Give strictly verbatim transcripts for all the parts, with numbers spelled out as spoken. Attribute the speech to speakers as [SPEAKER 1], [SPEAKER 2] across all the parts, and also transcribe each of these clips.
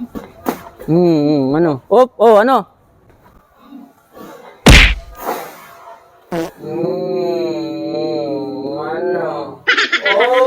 [SPEAKER 1] Hmm, hmm, ano? Oh, oh, ano? Hmm, ano? Oh.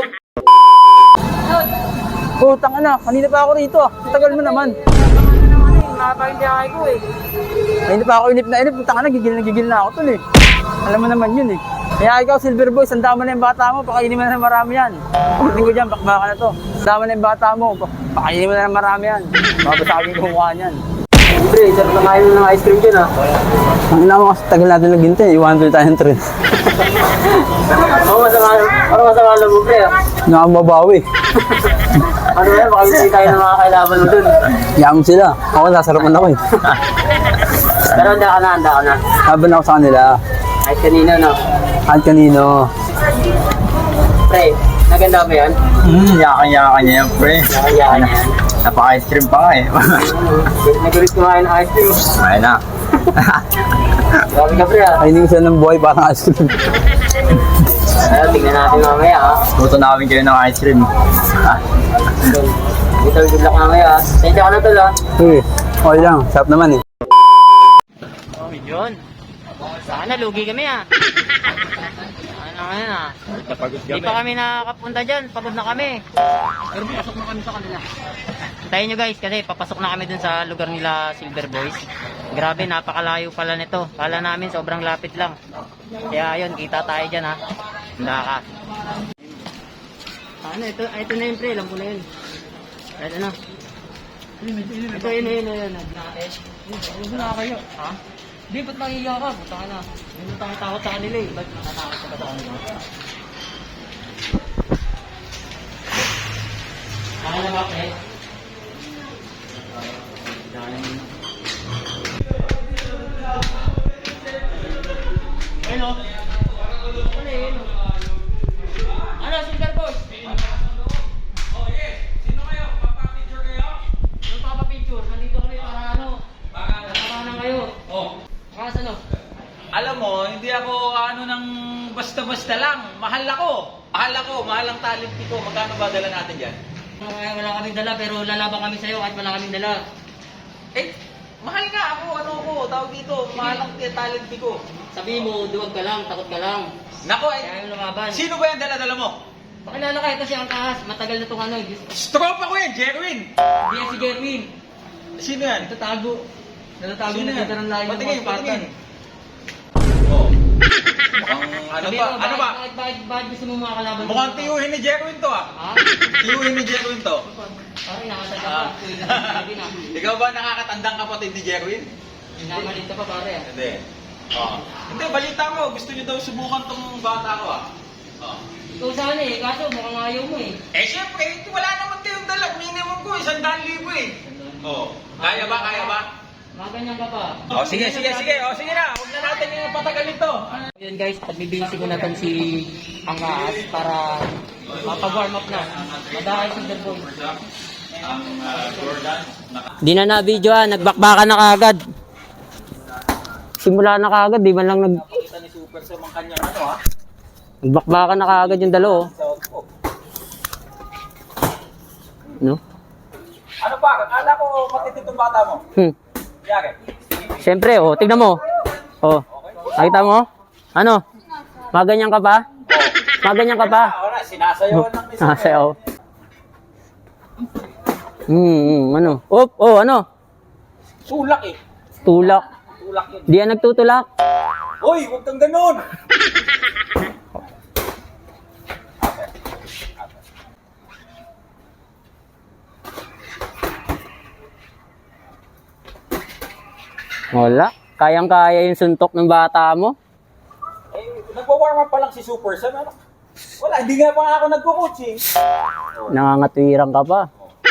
[SPEAKER 1] Putang ina, kanina pa ako rito ah. Tagal mo naman.
[SPEAKER 2] Nakapahintiyakay ko eh.
[SPEAKER 1] Kanina pa ako inip na inip. Putang ina, gigil na gigil na ako tol eh. Alam mo naman yun eh. Kaya ikaw, Silver Boy, sanda mo na yung bata mo, pakainin mo na ng marami yan. Pagdating ko dyan, bakbaka na to. Sanda mo na yung bata mo, pakainin mo na ng marami yan. Mabasagin ko mukha niyan.
[SPEAKER 2] Siyempre, sarap na kain ng ice cream dyan ah.
[SPEAKER 1] Ang ina mo kasi tagal natin naghintay, iwan tuloy tayo ng trend.
[SPEAKER 2] Oo, masama. Parang masama lang mo pre ah.
[SPEAKER 1] Nakamabawi.
[SPEAKER 2] Ano yan, baka hindi tayo ng mga kailaban mo dun.
[SPEAKER 1] Yam sila. Ako, nasarapan ako eh.
[SPEAKER 2] Pero handa ka na, handa ka na.
[SPEAKER 1] Laban ako sa kanila.
[SPEAKER 2] Kahit kanina no.
[SPEAKER 1] At kanino.
[SPEAKER 2] Pre, naganda ba yan?
[SPEAKER 3] Hmm, yakan-yakan niya yan, pre.
[SPEAKER 2] Nakayaan na yan.
[SPEAKER 3] Napaka-ice cream pa nga eh.
[SPEAKER 2] Nagulit kumain ng ice cream.
[SPEAKER 3] Ayun na.
[SPEAKER 2] Grabe ka pre ah.
[SPEAKER 1] Kainin sila ng buhay parang ice cream.
[SPEAKER 2] Pero tingnan natin mamaya ah.
[SPEAKER 3] Luto namin kayo ng ice cream.
[SPEAKER 2] Dito, good luck mamaya ah. Tensya ka na tol ah.
[SPEAKER 1] Uy, okay lang. Sarap naman eh.
[SPEAKER 2] Oh, yun. Sana lugi kami ah. Ano ngayon ah. Hindi pa kami nakakapunta dyan. Pagod na kami. Pero pasok na kami sa kanila. Hintayin nyo guys kasi papasok na kami dun sa lugar nila Silver Boys. Grabe, napakalayo pala nito. Kala namin sobrang lapit lang. Kaya ayun, kita tayo dyan ha. Handa ka. Ano, ito, ito na yun pre. Alam ko na yun. Ito na. Ito yun, yun, yun. Ano na kayo? Ha? Di, ba't nangiya ka? Buta ka na. Hindi mo takot sa kanila eh. Ba't natatakot ka ba sa kanila? Ano na ba, pre? Hello? Ano yun? Ano, Silver Boys?
[SPEAKER 4] Oh, yes. Sino kayo? Papa-picture kayo?
[SPEAKER 2] Yung papa-picture, nandito kami para ano? Nakakanan kayo.
[SPEAKER 4] Oh.
[SPEAKER 2] Kakas ano?
[SPEAKER 4] Alam mo, hindi ako ano ng basta-basta lang. Mahal ako. Mahal ako. Mahal ang talent ko. Magkano ba dala natin dyan?
[SPEAKER 2] Wala, wala kaming dala pero lalaban kami sa'yo kahit wala kaming dala.
[SPEAKER 4] Eh, mahal nga ako. Ano ko? Tawag dito. Mahal ang talent ko.
[SPEAKER 2] Sabihin mo, duwag ka lang, takot ka lang.
[SPEAKER 4] Nako,
[SPEAKER 2] Kaya
[SPEAKER 4] eh.
[SPEAKER 2] yung lumaban.
[SPEAKER 4] Sino ba yung dala-dala mo?
[SPEAKER 2] Pakilala ka, ito si Angkahas. Matagal na itong ano. Hindi
[SPEAKER 4] Stropa ko yan, Jerwin.
[SPEAKER 2] yan si Gerwin.
[SPEAKER 4] Sino yan?
[SPEAKER 2] Ito tago. Natatago
[SPEAKER 4] Sino
[SPEAKER 2] na
[SPEAKER 4] yan?
[SPEAKER 2] dito ng layo ng
[SPEAKER 4] Patingin,
[SPEAKER 2] mga Spartan.
[SPEAKER 4] patingin. Oh. Mukhang ano
[SPEAKER 2] Sabihin
[SPEAKER 4] ba?
[SPEAKER 2] mo,
[SPEAKER 4] Ano ba?
[SPEAKER 2] Bakit, bakit, bakit gusto mo mga kalaban? mo?
[SPEAKER 4] Mukhang tiyuhin ni Jerwin to ah.
[SPEAKER 2] Ha?
[SPEAKER 4] Tiyuhin ni Jerwin to.
[SPEAKER 2] Parang nakatanda ka.
[SPEAKER 4] Ah.
[SPEAKER 2] Tuwing na si Gerwin ah.
[SPEAKER 4] Ikaw ba nakakatandang kapatid ni Jerwin?
[SPEAKER 2] Namalit ka pa pare ah.
[SPEAKER 4] Hindi. Oh. Hindi, balita mo. Gusto niyo daw subukan tong bata ko ah. Oh.
[SPEAKER 2] Ikaw sana eh, kaso mukhang ayaw mo eh.
[SPEAKER 4] Eh, syempre, wala naman kayong dala. Minimum ko, isang daan libo eh. Oh. Kaya ba, kaya ba?
[SPEAKER 2] Mga ganyan ka pa.
[SPEAKER 4] Oh, sige, sige, sige. Oh, sige na. Huwag na natin yung patagal ito.
[SPEAKER 2] Yun guys, pagbibisi ko na to si Angkahas para mapag-warm up na. Madahay si Derboy.
[SPEAKER 1] Di na na-video ah, nagbakbakan na kaagad. Simula na kaagad, di man lang nag...
[SPEAKER 4] Kita ni Super sa mga kanyang ano ah.
[SPEAKER 1] Nagbakbakan na kaagad yung dalo oh. No?
[SPEAKER 4] Ano pa? Akala ko matitid tong bata mo.
[SPEAKER 1] Hmm.
[SPEAKER 4] Yari.
[SPEAKER 1] Siyempre oh, tignan mo. Oh, nakita mo? Ano? Maganyan ka pa? Maganyan ka pa?
[SPEAKER 4] Wala, sinasayawan lang ni Super.
[SPEAKER 1] Nasayaw. Hmm, hmm, ano? Oh, oh, ano?
[SPEAKER 4] Sulak eh.
[SPEAKER 1] Tulak.
[SPEAKER 4] Tulak yun.
[SPEAKER 1] Di yan nagtutulak.
[SPEAKER 4] Hoy, huwag kang ganun.
[SPEAKER 1] Wala. Kayang-kaya yung suntok ng bata mo.
[SPEAKER 4] Eh, nagwa-warm up pa lang si Super Sam. Ano? Wala, hindi nga pa nga ako nagko-coach eh.
[SPEAKER 1] Nangangatwirang ka pa.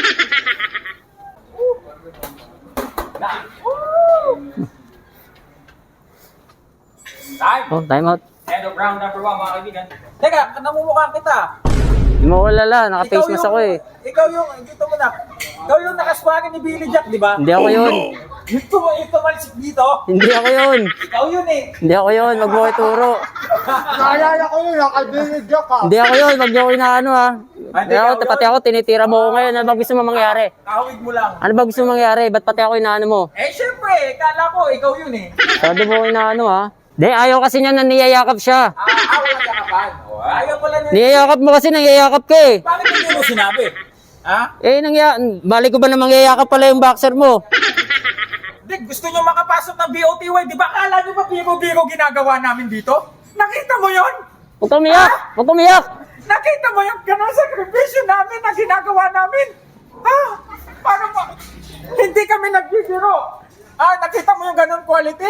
[SPEAKER 4] Time.
[SPEAKER 1] Oh, time out.
[SPEAKER 4] End of round number one, mga kaibigan. Teka, namumukha kita.
[SPEAKER 1] Hindi mo ulala, naka-face mask ako eh.
[SPEAKER 4] Ikaw yung, dito mo na. Ikaw yung nakaswagin ni Billy Jack, di ba?
[SPEAKER 1] Hindi ako yun.
[SPEAKER 4] Yung tum- yung tumalsik dito.
[SPEAKER 1] Hindi ako yun.
[SPEAKER 4] Ikaw yun eh.
[SPEAKER 1] Hindi ako yun, wag mo ko ituro.
[SPEAKER 3] Naalala ko yun, nakabili ka ka.
[SPEAKER 1] Hindi ako yun, wag niyo ko inaano ha.
[SPEAKER 4] Hindi
[SPEAKER 1] Kaya ako,
[SPEAKER 4] ikaw
[SPEAKER 1] pati
[SPEAKER 4] yun.
[SPEAKER 1] ako, tinitira mo ako ngayon. Ano ba gusto mo mangyari?
[SPEAKER 4] Kahawig mo lang.
[SPEAKER 1] Ano ba gusto mo mangyari? Ba't pati ako inaano mo?
[SPEAKER 4] Eh, syempre, kala ko, ikaw yun eh.
[SPEAKER 1] Sabi mo inaano ha? Di, ayaw kasi niya na niyayakap siya.
[SPEAKER 4] Ah, ah wala yakapan. Oh, ayaw pala niya.
[SPEAKER 1] Niyayakap mo kasi niyayakap ka eh.
[SPEAKER 4] Bakit hindi mo sinabi? Ha?
[SPEAKER 1] Eh, nangya, balik ko ba na mangyayakap pala yung boxer mo?
[SPEAKER 4] Hindi, gusto nyo makapasok ng B O T Y. Di ba akala nyo ba biro-biro ginagawa namin dito? Nakita mo yon?
[SPEAKER 1] Huwag kang umiyak! Huwag kang umiyak!
[SPEAKER 4] Nakita mo yung ganun sakripisyo namin na ginagawa namin? Ha? Paano ba? Hindi kami nagbibiro. Ah, nakita mo yung ganun quality?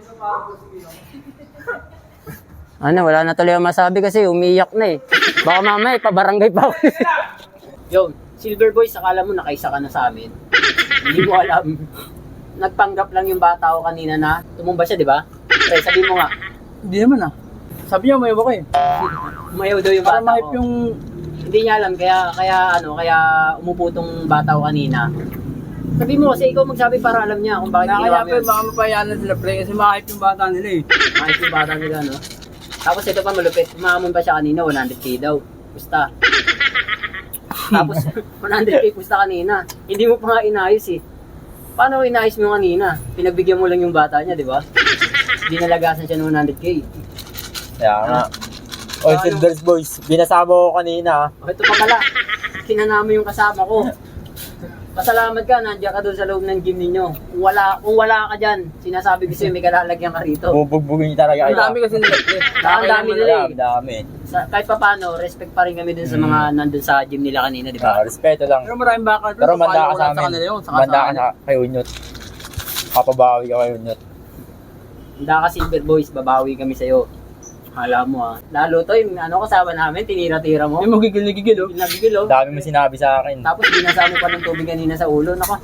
[SPEAKER 1] Ano, wala na tuloy ang masabi kasi umiyak na eh. Baka mamaya, pabarangay pa ako. Yo, Silver Boys, akala mo nakaisa ka na sa amin. Hindi mo alam. Nagpanggap lang yung bata ko kanina na tumumba siya, di ba? Pre, sabi mo nga. Hindi naman ah. Sabi niya, umayaw ako eh. Umayaw daw yung bata ko. Para mahip yung... Hindi niya alam, kaya, kaya ano, kaya umupo tong bata ko kanina. Sabi mo kasi ikaw magsabi para alam niya kung bakit ginawa mo yun. Baka mapayaan na sila, pre, kasi mahip yung bata nila eh. Mahip yung bata nila, no? Tapos ito pa malupit, umamon pa siya kanina, one hundred K daw. Pusta. Tapos one hundred K pusta kanina. Hindi mo pa nga inayos eh. Paano inayos mo kanina? Pinagbigyan mo lang yung bata niya, di ba? Dinalagasan siya ng one hundred K.
[SPEAKER 3] Kaya nga. Oy, Silvers Boys, binasama ko kanina.
[SPEAKER 1] O ito pa pala, kinanama yung kasama ko. Pasalamat ka, nandiyan ka doon sa loob ng gym ninyo. Kung wala, kung wala ka dyan, sinasabi ko sa'yo may kalalagyan ka rito.
[SPEAKER 3] Bubugbugin niyo talaga kayo.
[SPEAKER 1] kasi nila. Ang dami nila eh.
[SPEAKER 3] Dami, dami.
[SPEAKER 1] Sa, kahit pa paano, respect pa rin kami dun sa mga nandun sa gym nila kanina, di ba?
[SPEAKER 3] Ah, respeto lang.
[SPEAKER 1] Pero maraming baka
[SPEAKER 3] Pero manda ka sa amin. Manda ka sa kay Unyot. Kapabawi ka kay Unyot.
[SPEAKER 1] Handa ka Silver Boys, babawi kami sa'yo. Hala mo ah. Lalo to, yung ano kasama namin, tinira-tira mo. Yung magigil-gigil oh. Nagigil oh.
[SPEAKER 3] Dami mo sinabi sa akin.
[SPEAKER 1] Tapos binasa mo pa ng tubig kanina sa ulo. Nako,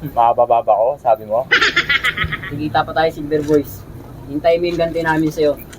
[SPEAKER 3] Mabababa ko, sabi mo.
[SPEAKER 1] sigita pa tayo Silver Boys. Hintayin mo yung ganti namin sa'yo.